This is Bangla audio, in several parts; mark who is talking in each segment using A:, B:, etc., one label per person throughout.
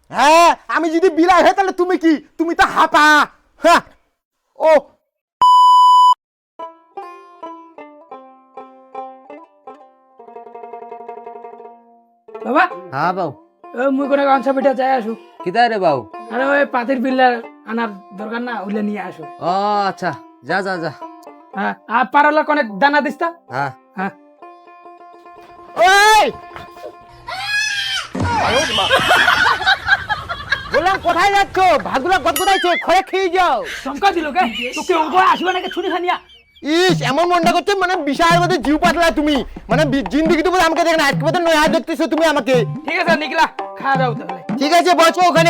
A: হ্যাঁ আমি যদি বিলাই হয় তাহলে তুমি কি? তুমি তো হাপা। হ্যাঁ ও
B: বাবা
C: হ্যাঁ বাউ
B: মুই কোনো গান পিঠা যাই আসু।
C: কিদায় রে বাউ?
B: আরে ওই পাতির বিল্লার আনার দরকার না, ওইলে নিয়ে আসো।
C: ও আচ্ছা, যা যা যা।
B: হ্যাঁ আর পারলা অনেক দানা দিস্তা।
C: হ্যাঁ
B: হ্যাঁ
A: ওই বললাম কোথায় যাচ্ছ? ভাগুলা গদগদাইছে, খয়ে খেয়ে যাও।
B: শঙ্কা দিল কে তোকে অঙ্ক আসবে নাকি ছুরি খানিয়া?
A: ইস এমন মনটা করছে মানে বিশাল মধ্যে জিউ পাতলা তুমি, মানে জিন্দিগি তো আমাকে দেখে না, আজকে মতো নয়া দেখতেছো তুমি আমাকে।
B: ঠিক আছে নিকলা, খাওয়া দাও তাহলে।
A: ঠিক আছে বসো ওখানে।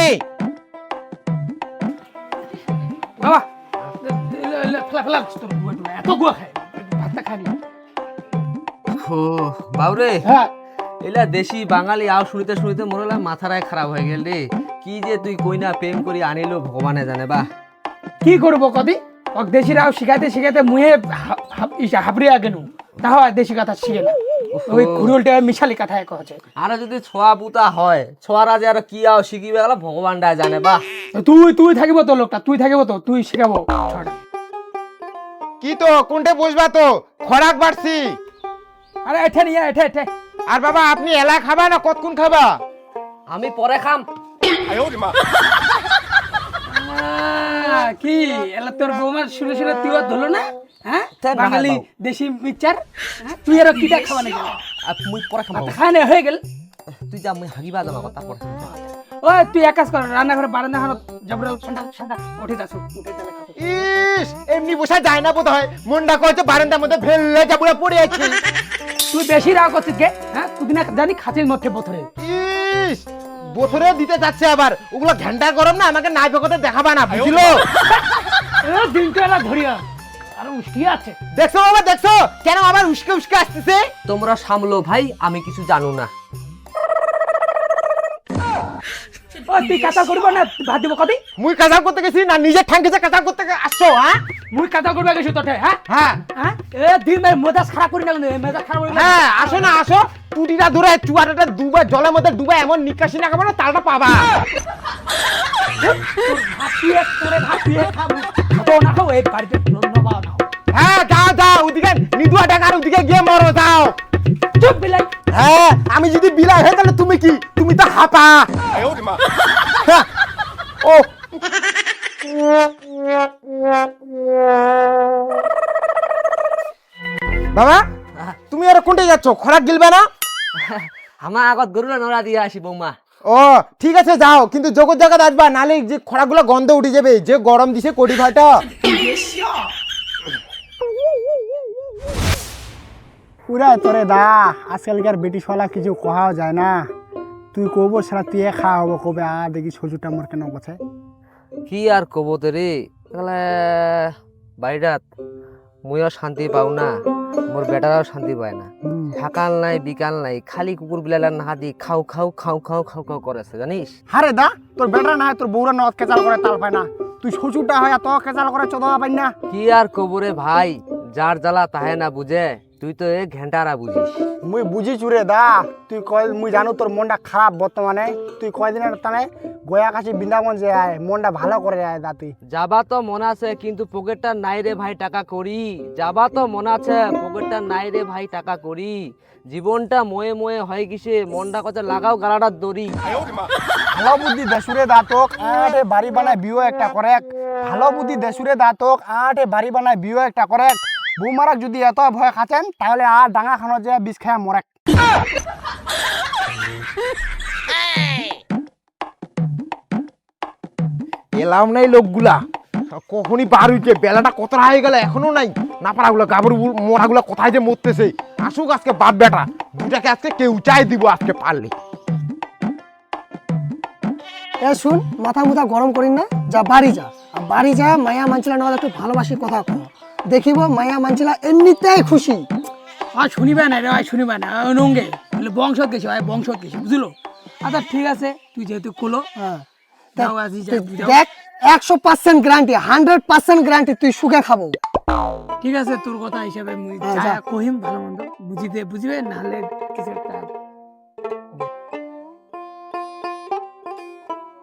B: বাবা ফেলা ফেলা তোর গুয়া টুলা এত গুয়া খায়, ভাতটা খানি।
C: ও বাউরে,
B: হ্যাঁ
C: এলা দেশি বাঙালি আও শুনিতে শুনিতে মোরলা মাথারায় খারাপ হয়ে গেল রে। কি যে তুই কইনা প্রেম করি আনিলো ভগবানে জানে বা।
B: কি করবো কদি ওক দেশিরাও শিখাইতে শিখাইতে মুহে হাবড়িয়া গেলু, তাও আর দেশি কথা শিখে না। ওই ঘুরুলটা মিশালি কথা এক হচ্ছে।
C: আর যদি ছোয়া পুতা হয়, ছোয়ারা যে আর কি আও শিখিবে গেল ভগবানটা জানে বা।
B: তুই তুই থাকিব তো লোকটা, তুই থাকিব তো, তুই শিখাবো ছড়া।
A: কি তো কোনটা বসবা তো? খরাক বাড়ছি।
B: আরে এঠে নিয়ে এঠে এঠে।
A: আর বাবা আপনি এলা খাবা না কতক্ষণ খাবা?
C: আমি পরে খাম।
B: কি এলা তোর বৌমার শুনে শুনে তুই আর ধরলো না? হ্যাঁ বাঙালি দেশি মিক্সচার, তুই আর কিটা খাওয়া নাকি?
C: মুই পরে খাম।
B: খানে হয়ে গেল।
C: তুই যা, মুই হাগিবা যাম আকৌ তারপর।
B: ওই তুই এক কাজ কর, রান্নাঘরে বারান্দা খানো জবর ঠান্ডা ঠান্ডা উঠে যাস, উঠে তাহলে খাবো।
A: ইস এমনি বসা যায় না বোধ হয়, মনটা করছে বারান্দার মধ্যে ফেললে যাবুড়া পড়ে আছি।
B: তুই বেশি রাগ করছিস গে? হ্যাঁ তুই না জানি খাঁচির মধ্যে বোথরে।
A: ইস বছরে দিতে যাচ্ছে আবার, ওগুলো ঘন্টা গরম না, আমাকে নাই ভগতে দেখাবা না বুঝলো?
B: দিনটা এলা ধরিয়া আর উষ্টি আছে।
A: দেখছো বাবা দেখছো কেন আবার উস্কে উস্কে আসতেছে?
C: তোমরা সামলো ভাই, আমি কিছু জানো না।
B: ও তুই কাঁচা করবো না ভাত দিব কবি?
A: মুই কাজাল করতে গেছি না নিজে ঠাঙ্কিতে কাজাল করতে আসছো? হ্যাঁ
B: মুই কাঁচা করবে গেছি তোতে। হ্যাঁ
A: হ্যাঁ
B: হ্যাঁ এ দিন মেজাজ খারাপ করি না, মেজাজ খারাপ করি না।
A: হ্যাঁ আসো না আসো, টুটিটা ধরে চুয়াটাটা ডুবা জলের মধ্যে ডুবা এমন নিকাশি না খাবো না তালটা পাবা।
B: ভাপিয়ে করে ভাপিয়ে খাবো তো না খাও এই বাড়িতে ধন্যবাদ নাও।
A: হ্যাঁ যাও যাও ওদিকে নিদুয়া ডাকার ওদিকে গিয়ে মরো যাও।
B: চুপ বিলাই।
A: হ্যাঁ আমি যদি বিলাই হয় তাহলে তুমি কি? তুমি তো হাপা। হ্যাঁ, ও বাবা তুমি আর কোনটা যাচ্ছ? খরাক গিলবে না?
C: আমার আগত গরুলা নড়া দিয়ে আসি বৌমা।
A: ও ঠিক আছে যাও, কিন্তু জগৎ জায়গা আসবা, নালে যে খরাগুলো গন্ধ উঠে যাবে, যে গরম দিছে কোটি ভাটা।
D: পুরা তোরে দা আজকালকার বেটিশলা কিছু কোহাও যায় না। তুই কব সারা তুই খাওয়া হবো কবে আর দেখি শ্বশুরটা মোর কেন বসে।
C: কি আর কব তো রে, তাহলে বাড়িটাত মুইও শান্তি পাও না, মোর বেটারাও শান্তি পায় না। সকাল নাই বিকাল নাই, খালি কুকুর বিলালার নাহাদি খাও খাও খাও খাও খাও খাও করেছে জানিস।
D: হারে দা তোর বেটা না হয় তোর বউরা নদ কেচাল করে তাল পায় না, তুই শ্বশুরটা হয় এত কেচাল করে চোদা পাই না।
C: কি আর কব রে ভাই, যার জ্বালা তাহে না বুঝে, তুই তো এ ঘেন্টারা বুঝিস।
D: মুই বুঝি চুরে দা, তুই কয় মুই জানো তোর মনটা খারাপ বর্তমানে, তুই কয়দিনের টানে গয়া কাছে বৃন্দাবন যে আয় মনটা ভালো করে আয় দা। তুই
C: যাবা তো মন আছে কিন্তু পকেটটা নাই রে ভাই টাকা করি, যাবা তো মন আছে পকেটটা নাই রে ভাই টাকা করি, জীবনটা ময়ে ময়ে হয় কিসে, মনটা কথা লাগাও গালাটার দড়ি।
D: ভালো বুদ্ধি দেশুরে দা তোক আটে বাড়ি বানায় বিয়ে একটা করে, ভালো বুদ্ধি দেশুরে দা তোক আটে বাড়ি বানায় বিয়ে একটা করে। বৌমারাক যদি এত ভয় খাচ্ছেন তাহলে আর ডাঙা খানো যে বিষ খায় মরে।
A: এলাম নাই লোকগুলা, কখনই বার হইছে, বেলাটা কতটা হয়ে গেল এখনো নাই। না পারাগুলো গাবর মোড়াগুলো কোথায় যে মরতেছে। আসুক আজকে বাপ বেটা দুটাকে আজকে কেউ চাই দিব আজকে পারলে।
E: এ শুন, মাথা মুথা গরম করিন না, যা বাড়ি যা, আর বাড়ি যা মায়া মানছিলা নেওয়া একটু ভালোবাসি কথা কো, দেখিব মায়া মানছিলা এমনিতেই খুশি।
B: আর শুনিবে না রে, শুনিবে না নঙ্গে বলে বংশত গেছি ভাই, বংশত গেছি বুঝলো। আচ্ছা ঠিক আছে, তুই যেহেতু কোলো
E: হ্যাঁ
B: যাও আজি যাও।
E: দেখ 100% গ্যারান্টি, 100% গ্যারান্টি তুই সুখে খাবো।
B: ঠিক আছে তোর কথা হিসাবে মুই
E: হ্যাঁ,
B: যা
E: যা।
B: কহিম ভালো মন্দ বুঝিতে বুঝিবে, নাহলে কিছু একটা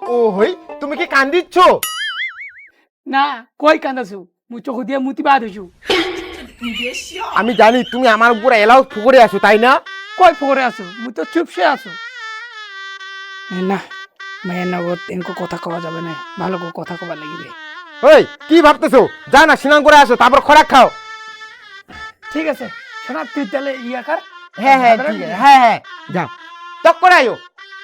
A: ও হই তুমি কি কান্দিচ্ছ?
B: না কই কান্দাছু মুই চোখ দিয়ে মুতি বাদ হইছু।
A: আমি জানি তুমি আমার উপর এলাও ফুকরে আছো তাই না?
B: কই ফোরে আছো মুই তো চুপসে আছো। না মায়ের নগদ এনকো কথা কওয়া যাবে না, ভালো করে কথা কবার লাগিবে।
A: ওই কি ভাবতেছো? যা না স্নান করে আসো তারপর খোরাক খাও।
B: ঠিক আছে শোনা তুই তাহলে ইয়া কর।
A: হ্যাঁ হ্যাঁ ঠিক আছে, হ্যাঁ হ্যাঁ যাও তক করে আয়ো।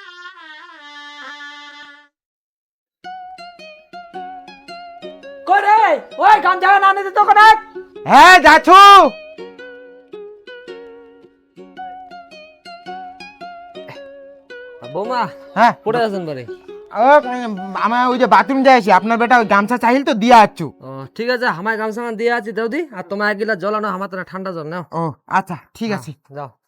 B: করে ওই গামছা না নিতে তো কোন
A: হ্যাঁ যাচ্ছো।
C: বৌমা
A: হ্যাঁ
C: পড়ে আছেন বারে?
A: আমার ওই যে বাথরুম যাইছি, আপনার বেটা ওই গামছা চাইল তো দিয়া আছো।
C: ও ঠিক আছে, আমায় গামছা দিয়ে আছি দাও দি, আর তোমার গিলা জল আনো, আমার তো না ঠান্ডা জল নাও।
A: ও আচ্ছা ঠিক আছে।
C: যাও।